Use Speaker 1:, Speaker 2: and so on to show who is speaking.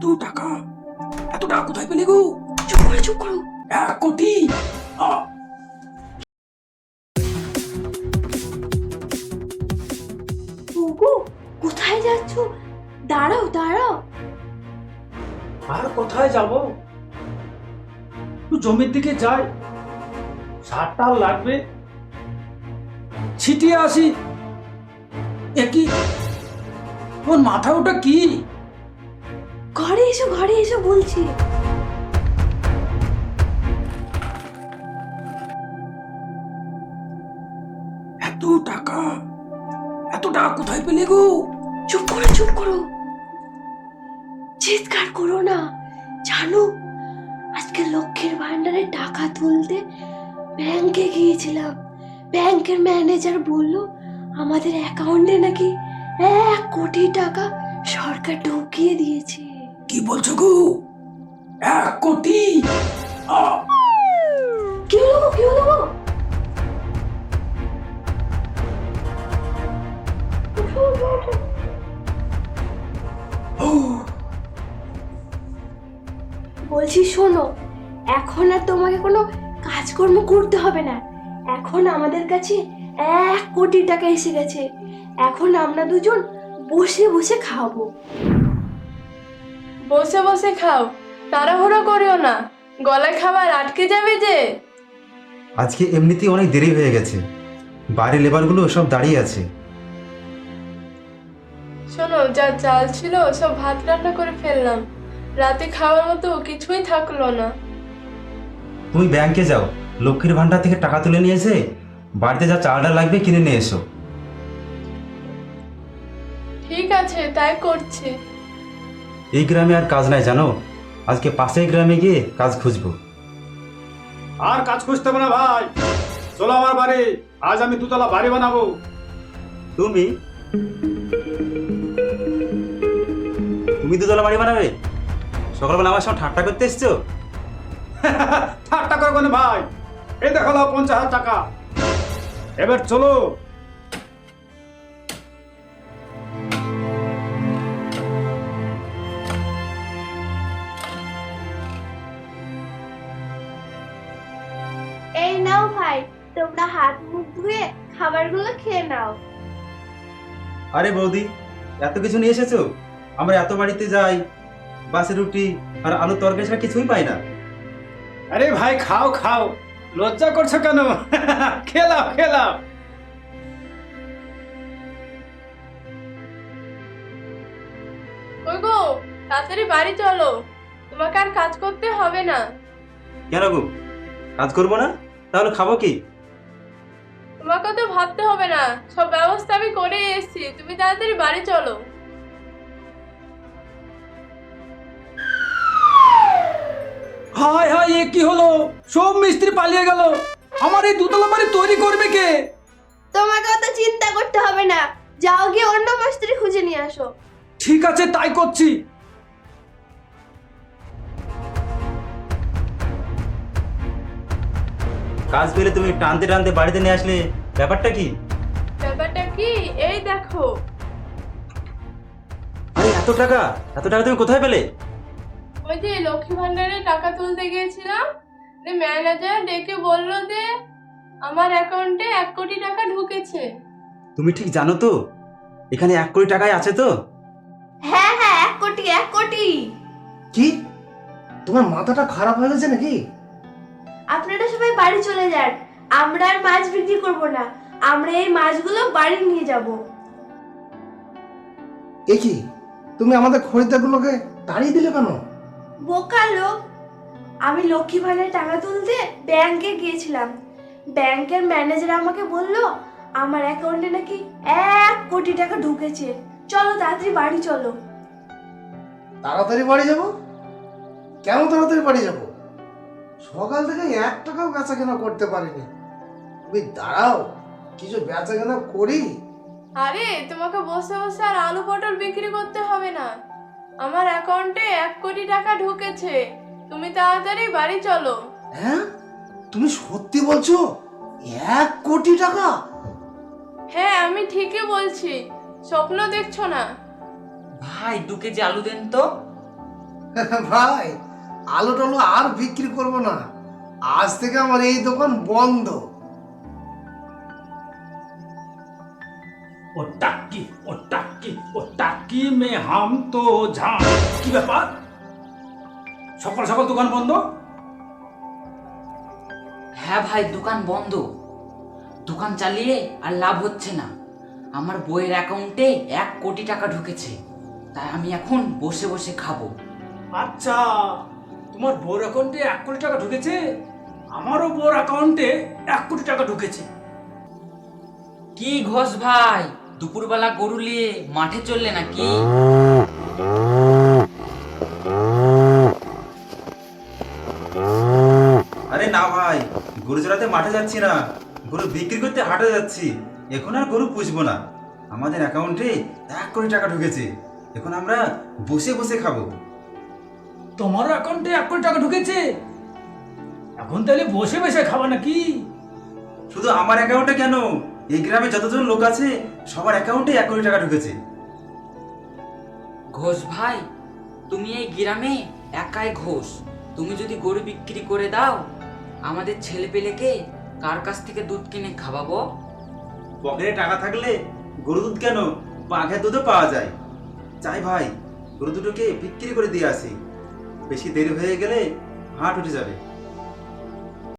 Speaker 1: এত টাকা এত টাকা কোথায় পেলে গো? চুপ করো 1 কোটি।
Speaker 2: ওগো, কোথায় যাচ্ছ? দাঁড়াও দাঁড়াও।
Speaker 1: আর কোথায় যাব? জমির দিকে যাই, সারটা লাগবে, ছিটিয়ে আসি। একই ওর মাথা ওটা কি?
Speaker 2: ঘরে এসো বলছি।
Speaker 1: এত টাকা কোথায় পেলে গো?
Speaker 2: চুপ করো, চিৎকার করো না। জানো, আজকে লক্ষ্মীর ভান্ডারে টাকা তুলতে ব্যাংকে গিয়েছিলাম। ব্যাংকের ম্যানেজার বলল আমাদের অ্যাকাউন্টে নাকি 1 কোটি টাকা সরকার ঢুকিয়ে দিয়েছে।
Speaker 1: কি বলছো গো? 1 কোটি?
Speaker 2: কি হলো? বলছি শোনো, এখন আর তোমাকে কোনো কাজকর্ম করতে হবে না। এখন আমাদের কাছে 1 কোটি টাকা এসে গেছে। এখন আমরা দুজন বসে বসে খাবো।
Speaker 3: বসে বসে খাও, তাড়াহুড়ো করিও না, গলায় খাবার আটকে যাবে যে।
Speaker 4: আজকে এমনিতেই অনেক দেরি হয়ে গেছে, বাড়ির লেবারগুলো সব দাঁড়িয়ে আছে।
Speaker 3: শোনো, যা চাল ছিল সব ভাত রান্না করে ফেললাম, রাতে খাওয়ার মতো কিছুই থাকলো না।
Speaker 4: তুমি ব্যাংকে যাও, লক্ষ্মীর ভান্ডার থেকে টাকা তুলে নিয়ে এসে বাড়িতে যা চালটা লাগবে কিনে নিয়ে এসো।
Speaker 3: ঠিক আছে, তাই করছি।
Speaker 4: এই গ্রামে আর কাজ নাই জানো, আজকে পাশের গ্রামে গিয়ে কাজ খুঁজবো।
Speaker 5: আর কাজ খুঁজতে হবে না ভাই, চলো আমার বাড়ি, আজ আমি 2 তলা বাড়ি বানাবো।
Speaker 4: তুমি 2 তলা বাড়ি বানাবে? সকালবেলা আমার সঙ্গে ঠাট্টা করতে এসছো?
Speaker 5: ঠাট্টা করবো না ভাই, এই দেখো 50,000 টাকা, এবার চলো।
Speaker 2: এই নাও ভাই, তোমরা হাত মুখ ধুয়ে খাবারগুলো খেয়ে নাও।
Speaker 4: আরে বৌদি, এত কিছু নিয়ে এসেছো? আমরা এত বাড়িতে যাই, বাসে রুটি আর আলু তরকারি ছাড়া কিছুই পাই না।
Speaker 5: আরে ভাই খাও, লজ্জা করছো কেন? খেলাও।
Speaker 3: ওই গো, তাড়াতাড়ি বাড়ি চলো, তোমাকে আর কাজ করতে হবে না।
Speaker 4: কেন গো, কাজ করবো না? তাহলে খাবো কি?
Speaker 3: তোমাকে তো ভাবতে হবে না, সব ব্যবস্থা আমি করে এসেছি, তুমি তাড়াতাড়ি বাড়ি চলো।
Speaker 1: হায় এ কি হলো? সব মিস্ত্রি পালিয়ে গেল, আমার এই 2 তলা বাড়ি তৈরি করবে কে?
Speaker 2: তোমাকে অত চিন্তা করতে হবে না, যাও গিয়ে অন্য মিস্ত্রি খুঁজে নিয়ে আসো।
Speaker 1: ঠিক আছে, তাই করছি।
Speaker 4: কাজ পেলে তুমি টানতে টানতে বাড়িতে নিয়ে আসলে, ব্যাপারটা কি?
Speaker 3: ব্যাপারটা কি, এই দেখো।
Speaker 4: আরে এত টাকা তুমি কোথায় পেলে?
Speaker 3: ওই যে লক্ষ্মী ভান্ডারে টাকা তুলতে গিয়েছিলাম, ম্যানেজার ডেকে বললো যে আমার অ্যাকাউন্টে 1 কোটি টাকা ঢুকেছে।
Speaker 4: তুমি ঠিক জানো তো এখানে 1 কোটি টাকাই আছে তো?
Speaker 2: হ্যাঁ 1 কোটি।
Speaker 6: কি তোমার মাথাটা খারাপ হয়ে গেছে নাকি?
Speaker 2: আপনারা সবাই বাড়ি চলে যান, আমরা আর মাছ বিক্রি করব না, আমরা এই মাছগুলো বাড়ি নিয়ে যাব।
Speaker 6: এ কি, তুমি আমাদের খরিদ্দারগুলোকে তাড়িয়ে দিলে কেন?
Speaker 2: বোকা লোক, আমি লক্ষ্মী ভান্ডারে টাকা তুলতে ব্যাংকে গিয়েছিলাম। ব্যাংকের ম্যানেজার আমাকে বলল আমার অ্যাকাউন্টে নাকি 1 কোটি টাকা ঢুকেছে। চলো তাড়াতাড়ি বাড়ি চলো।
Speaker 6: তাড়াতাড়ি বাড়ি যাব? কেন তাড়াতাড়ি বাড়ি যাব? সকাল থেকে 1 টাকাও বেচা কেনা করতে পারিনি। তুমি দাঁড়াও, কিছু বেচা কেনা করি।
Speaker 3: আরে তোমাকে বসে বসে আর আলু পটল বিক্রি করতে হবে না, আমার অ্যাকাউন্টে 1 কোটি টাকা ঢুকেছে, তুমি তাড়াতাড়ি বাড়ি চলো।
Speaker 6: হ্যাঁ, তুমি সত্যি বলছো? 1 কোটি টাকা?
Speaker 3: হ্যাঁ, আমি ঠিকই বলছি, স্বপ্ন দেখছো না।
Speaker 7: ভাই 2 কেজি আলু দেন তো।
Speaker 6: ভাই আলু টালু আর বিক্রি করব না, আজ থেকে আমার এই দোকান বন্ধ।
Speaker 5: ও টাক্কি ও টাক্কি ও টাক্কি মে হাম তো ঝাম। কি ব্যাপার, সকাল সকাল দোকান বন্ধ?
Speaker 7: হ্যাঁ ভাই, দোকান বন্ধ। দোকান চালিয়ে আর লাভ হচ্ছে না। আমার বইয়ের অ্যাকাউন্টে 1 কোটি টাকা ঢুকেছে, তাই আমি এখন বসে বসে খাবো।
Speaker 5: আচ্ছা, তোমার বোর অ্যাকাউন্টে 1 কোটি টাকা ঢুকেছে, আমারও বোর অ্যাকাউন্টে 1 কোটি টাকা ঢুকেছে।
Speaker 7: কি ঘোষ ভাই, দুপুরবেলা গরু নিয়ে মাঠে চললে নাকি?
Speaker 4: আরে না ভাই, গরু চড়াতে মাঠে যাচ্ছি না, গরু বিক্রি করতে হাটে যাচ্ছি। এখন আর গরু পুষবো না, আমাদের অ্যাকাউন্টে 1 কোটি টাকা ঢুকেছে, এখন আমরা বসে বসে খাবো।
Speaker 5: তোমার অ্যাকাউন্টে 1 কোটি টাকা ঢুকেছে, এখন তাহলে বসে বসে খাবা নাকি?
Speaker 4: শুধু আমার অ্যাকাউন্টে কেন, এই গ্রামে যতজন লোক আছে সবার অ্যাকাউন্টে 1 কোটি টাকা ঢুকেছে।
Speaker 7: ঘোষ ভাই, তুমি এই গ্রামে একাই ঘোষ। তুমি যদি গরু বিক্রি করে দাও, আমাদের ছেলে পেলেকে কার কাছ থেকে দুধ কিনে খাওয়াবো?
Speaker 4: পকেটে টাকা থাকলে গরু দুধ কেন, বাঘের দুধও পাওয়া যায়। চাই ভাই, গরু দুটোকে বিক্রি করে দিয়ে আসি, বেশি দেরি হয়ে গেলে হাট উঠে যাবে।